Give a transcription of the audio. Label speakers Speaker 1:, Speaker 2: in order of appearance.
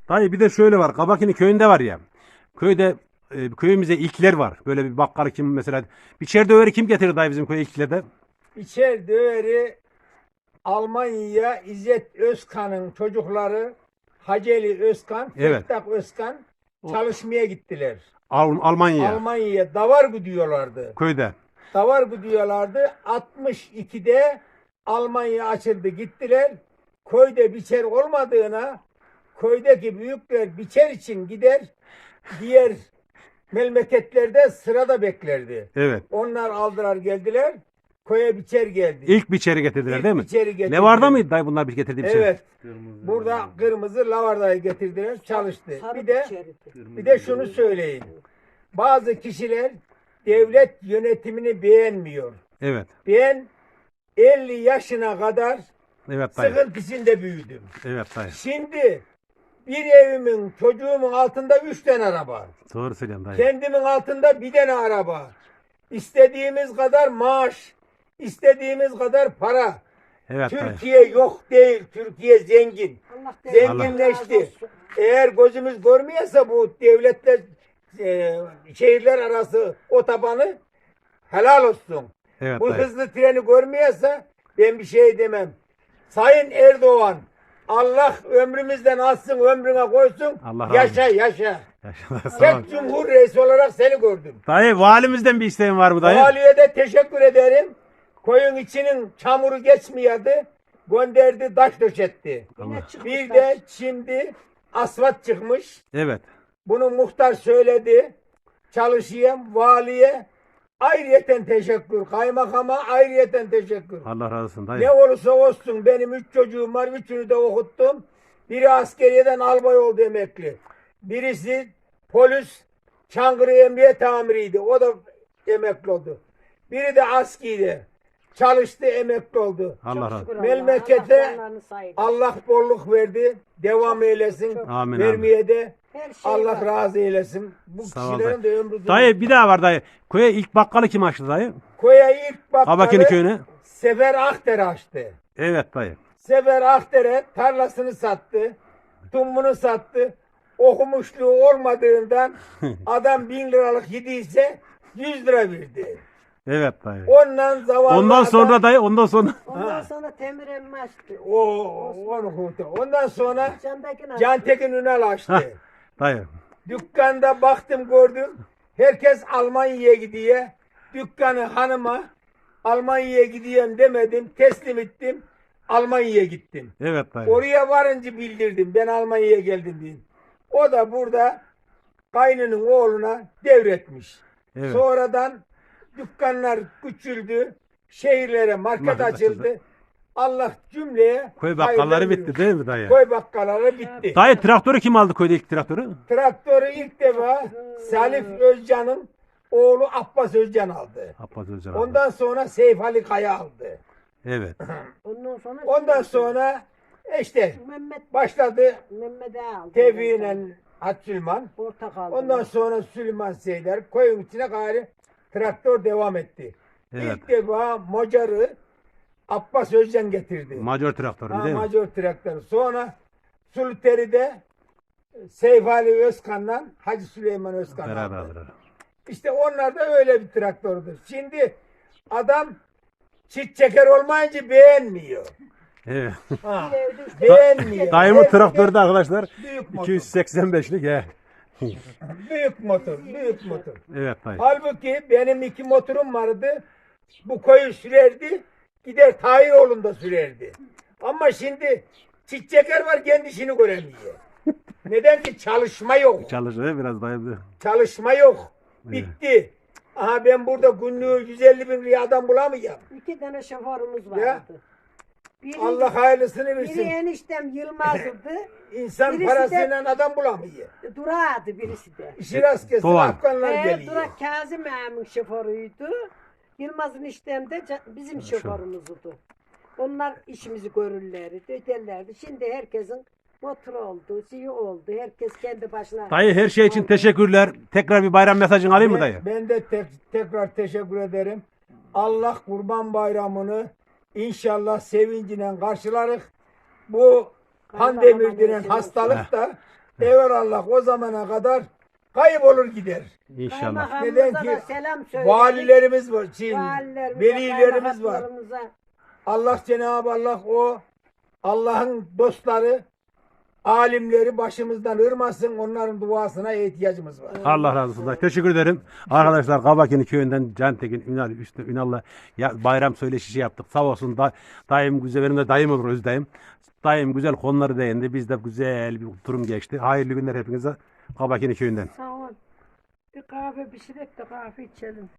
Speaker 1: Dayı bir de şöyle var. Kabakini köyünde var ya. Köyde köyümüze ilkler var. Böyle bir bakkalı kim mesela. Bir çerdöveri kim getirir dayı bizim köye ilklerde?
Speaker 2: İçer döveri Almanya'ya İzzet Özkan'ın çocukları Haceli Özkan,
Speaker 1: Evet.
Speaker 2: Fettah Özkan çalışmaya gittiler.
Speaker 1: Almanya.
Speaker 2: Almanya'ya Davargı diyorlardı.
Speaker 1: Köyde.
Speaker 2: Davargı diyorlardı. 62'de Almanya açıldı gittiler. Köyde biçer olmadığına köydeki büyükler biçer için gider. Diğer memleketlerde sırada beklerdi.
Speaker 1: Evet.
Speaker 2: Onlar aldılar geldiler. Köye biçer geldi.
Speaker 1: İlk biçeri getirdiler
Speaker 2: İlk
Speaker 1: değil mi?
Speaker 2: biçeri getirdiler.
Speaker 1: Levarda mıydı dayı bunlar bir getirdiği bir şey?
Speaker 2: Evet. Burada kırmızı lavardayı getirdiler, çalıştı.
Speaker 3: Sarı
Speaker 2: Bir de şunu söyleyeyim. Bazı kişiler devlet yönetimini beğenmiyor.
Speaker 1: Evet.
Speaker 2: Ben 50 yaşına kadar
Speaker 1: Evet dayı.
Speaker 2: sıkıntı içinde büyüdüm.
Speaker 1: Evet dayı.
Speaker 2: Şimdi bir evimin, çocuğumun altında 3 tane araba.
Speaker 1: Doğru söylüyorsun dayı.
Speaker 2: Kendimin altında bir tane araba. İstediğimiz kadar maaş, istediğimiz kadar para.
Speaker 1: Evet dayı.
Speaker 2: Türkiye yok değil, Türkiye zengin.
Speaker 3: Allah
Speaker 2: Zenginleşti. Eğer gözümüz görmüyorsa bu devletler, şehirler arası otobanı helal olsun.
Speaker 1: Evet
Speaker 2: Bu
Speaker 1: dayı.
Speaker 2: hızlı treni görmüyorsa ben bir şey demem. Sayın Erdoğan, Allah ömrümüzden alsın, ömrüne koysun.
Speaker 1: Allah razı
Speaker 2: Yaşa yaşa.
Speaker 1: Yaşa, sağ ol.
Speaker 2: Tek Cumhur Reisi olarak seni gördüm.
Speaker 1: Dayı valimizden bir isteğin var mı dayı?
Speaker 2: Valiye de teşekkür ederim. Koyun içinin çamuru geçmiyordu. Gönderdi, taş döşetti. Bir de şimdi asfalt çıkmış.
Speaker 1: Evet.
Speaker 2: Bunu muhtar söyledi. Çalışayım, valiye ayrıyeten teşekkür. Kaymakama ayrıyeten teşekkür.
Speaker 1: Allah razı olsun dayı.
Speaker 2: Ne olursa olsun benim 3 çocuğum var. Üçünü de okuttum. Biri askeriyeden albay oldu emekli. Birisi polis Çankırı Emniyet Amiriydi. O da emekli oldu. Biri de askiydi. Çalıştı, emekli oldu.
Speaker 1: Allah razı olsun.
Speaker 2: Memlekete Allah bolluk verdi. Devam eylesin.
Speaker 1: Amin,
Speaker 2: Vermeye de
Speaker 3: Her şey
Speaker 2: Allah
Speaker 3: var.
Speaker 2: razı eylesin. Bu
Speaker 1: Sağ ol
Speaker 2: kişilerin de ömrü
Speaker 1: Dayı bir daha var dayı. Köye ilk bakkalı kim açtı dayı?
Speaker 2: Koya ilk
Speaker 1: Kabakini
Speaker 2: bakkalı
Speaker 1: köyüne.
Speaker 2: Sefer Akter açtı.
Speaker 1: Evet dayı.
Speaker 2: Sefer Akter'e tarlasını sattı. Tumunu sattı. Okumuşluğu olmadığından adam 1000 liralık yediyse 100 lira verdi.
Speaker 1: Evet dayı.
Speaker 2: Ondan zavallı
Speaker 1: Ondan sonra dayı ondan sonra.
Speaker 3: Ondan sonra Temir emmi açtı.
Speaker 2: onu kurtar. Ondan sonra
Speaker 3: Cantekin açtı.
Speaker 2: Cantekin Ünal
Speaker 1: Hah.
Speaker 2: açtı.
Speaker 1: Dayı.
Speaker 2: Dükkanda baktım gördüm. Herkes Almanya'ya gidiyor. Dükkanı hanıma Almanya'ya gidiyorum demedim. Teslim ettim. Almanya'ya gittim.
Speaker 1: Evet dayı.
Speaker 2: Oraya varınca bildirdim. Ben Almanya'ya geldim diye. O da burada kaynının oğluna devretmiş.
Speaker 1: Evet.
Speaker 2: Sonradan dükkanlar küçüldü. Şehirlere market
Speaker 1: Market
Speaker 2: açıldı.
Speaker 1: açıldı.
Speaker 2: Allah cümleye
Speaker 1: Köy bakkalları
Speaker 2: hayırlar
Speaker 1: bitti
Speaker 2: veriyor.
Speaker 1: değil mi dayı?
Speaker 2: Köy bakkalları bitti.
Speaker 1: Dayı traktörü kim aldı köyde ilk traktörü?
Speaker 2: Traktörü ilk defa Salif Özcan'ın oğlu Abbas Özcan aldı.
Speaker 1: Abbas Özcan aldı.
Speaker 2: Ondan sonra Seyf Ali Kaya aldı.
Speaker 1: Evet.
Speaker 2: Ondan sonra işte
Speaker 3: Mehmet
Speaker 2: başladı
Speaker 3: Mehmet'e aldı.
Speaker 2: Tevfi'yle Hatsülman.
Speaker 3: Portakal.
Speaker 2: Ondan sonra Süleyman Seyder koyun içine gayrı traktör devam etti.
Speaker 1: Evet.
Speaker 2: İlk defa Macar'ı Abbas Özcan getirdi.
Speaker 1: Majör traktörü değil mi?
Speaker 2: Major traktörü. Sonra Sulteri'de Seyf Ali Özkan'la Hacı Süleyman Özkan aldı.
Speaker 1: Beraberler.
Speaker 2: İşte onlar da öyle bir traktördür. Şimdi adam çit çeker olmayınca beğenmiyor.
Speaker 1: Evet.
Speaker 2: Ha, beğenmiyor.
Speaker 1: Dayımın
Speaker 2: Hepsi
Speaker 1: traktörü de arkadaşlar
Speaker 2: büyük motor.
Speaker 1: 285'lik he.
Speaker 2: Büyük motor. Büyük motor.
Speaker 1: Evet dayı.
Speaker 2: Halbuki benim 2 motorum vardı. Bu koyu sürerdi. Gider Tahiroğlu'nda sürerdi. Ama şimdi çit çeker var kendi işini göremiyor. Neden ki çalışma yok.
Speaker 1: Çalışıyor biraz dayı.
Speaker 2: Çalışma yok. Bitti. Aha ben burada günlüğü 150 bin liraya adam bulamayacağım.
Speaker 3: 2 tane şoförümüz
Speaker 2: Ya.
Speaker 3: vardı. Biri,
Speaker 2: Allah hayırlısını
Speaker 3: biri
Speaker 2: versin.
Speaker 3: eniştem Yılmaz'dı.
Speaker 2: İnsan
Speaker 3: birisi
Speaker 2: parasıyla adam bulamıyor.
Speaker 3: Durağıydı birisi de.
Speaker 2: İşi rast kesin
Speaker 1: Doğan.
Speaker 2: Afganlar geliyor.
Speaker 3: Durak Kazım ağamın şoförüydü. Yılmaz'ın işlem de bizim şoförümüzdü. Onlar işimizi görürlerdi, öderlerdi. Şimdi herkesin motoru oldu, şeyi oldu. Herkes kendi başına.
Speaker 1: Dayı her şey için teşekkürler. Tekrar bir bayram mesajını alayım mı dayı?
Speaker 2: Ben de tekrar teşekkür ederim. Allah Kurban Bayramı'nı inşallah sevinciyle karşılarız. Bu pandemi denen hastalık da Evelallah o zamana kadar kaybolur gider.
Speaker 1: İnşallah.
Speaker 3: Kaymakamımıza
Speaker 2: Neden
Speaker 3: da
Speaker 2: ki
Speaker 3: selam söyledik.
Speaker 2: valilerimiz var,
Speaker 3: Valilerimize,
Speaker 2: velilerimiz var.
Speaker 3: kaymakamlarımıza.
Speaker 2: Allah Cenab-ı Allah o Allah'ın dostları, alimleri başımızdan ırmasın. Onların duasına ihtiyacımız var.
Speaker 1: Allah razı olsun. Teşekkür ederim. Arkadaşlar Kabakini köyünden Cantekin Ünal Üstü Ünal'la bayram söyleşisi yaptık. Sağ olsun dayım güzel, benim de dayım olur Özdayım. Dayım güzel konuları değindi. Biz de güzel bir durum geçti. Hayırlı günler hepinize Kabakini köyünden.
Speaker 3: Sağ ol. Bir kahve pişirek de kahve içelim.